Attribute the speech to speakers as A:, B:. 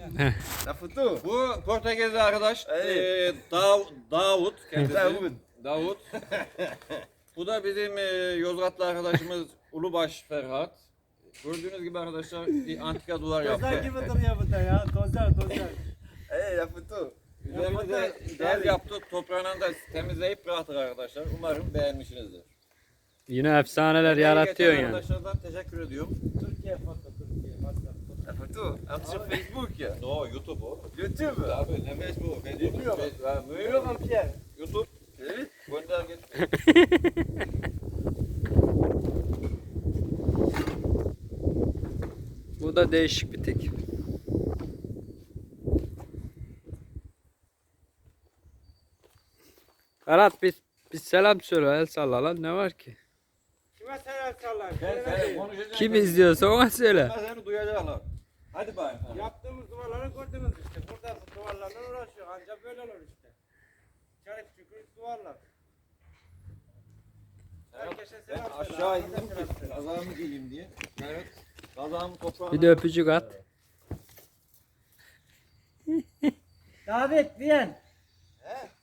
A: Lafutu.
B: Bu Portekizli arkadaş
A: Evet.
B: Davut kendisi.
A: Davut.
B: Davut. Bu da bizim Yozgatlı arkadaşımız Ulubaş Ferhat. Gördüğünüz gibi arkadaşlar bir antika duvar
C: Tozlar
B: yaptı.
C: gibi duruyor bu da ya. Tozlar.
A: Lafutu.
B: Üzerini de del yaptı. Toprağını da temizleyip bıraktık arkadaşlar. Umarım beğenmişsinizdir.
D: Yine efsaneler yaratıyorsun yani.
B: Arkadaşlardan teşekkür ediyorum.
C: Türkiye foto, Türkiye. WhatsApp.
A: Lafutu. Atışın Facebook ya.
B: No, YouTube o.
A: YouTube.
B: Abi ne Facebook?
A: Bilmiyorum.
C: Biliyorum Pierre.
B: YouTube.
A: Evet.
B: Gönder git.
D: Bu da değişik bir tek. Ferhat bir selam söyle, el salla lan, ne var ki?
C: Kime selam sallar?
B: Ben konuşacağım.
D: Kim izliyorsa ona söyle.
B: Ben seni duyacaklar. Hadi bayım.
C: Yaptığımız duvarları gördünüz işte. Burada duvarlarla uğraşıyor. Ancak böyle olur işte. Çarık çukur duvarlar. Herkese
B: Ben
C: selam söyle.
B: aşağı
C: herkese
B: indim
C: selam
B: ki
C: söyle.
B: kazağımı giyeyim diye. Evet. Kazağımı toprağına...
D: Bir de öpücük at.
C: Davet diyen.
A: He?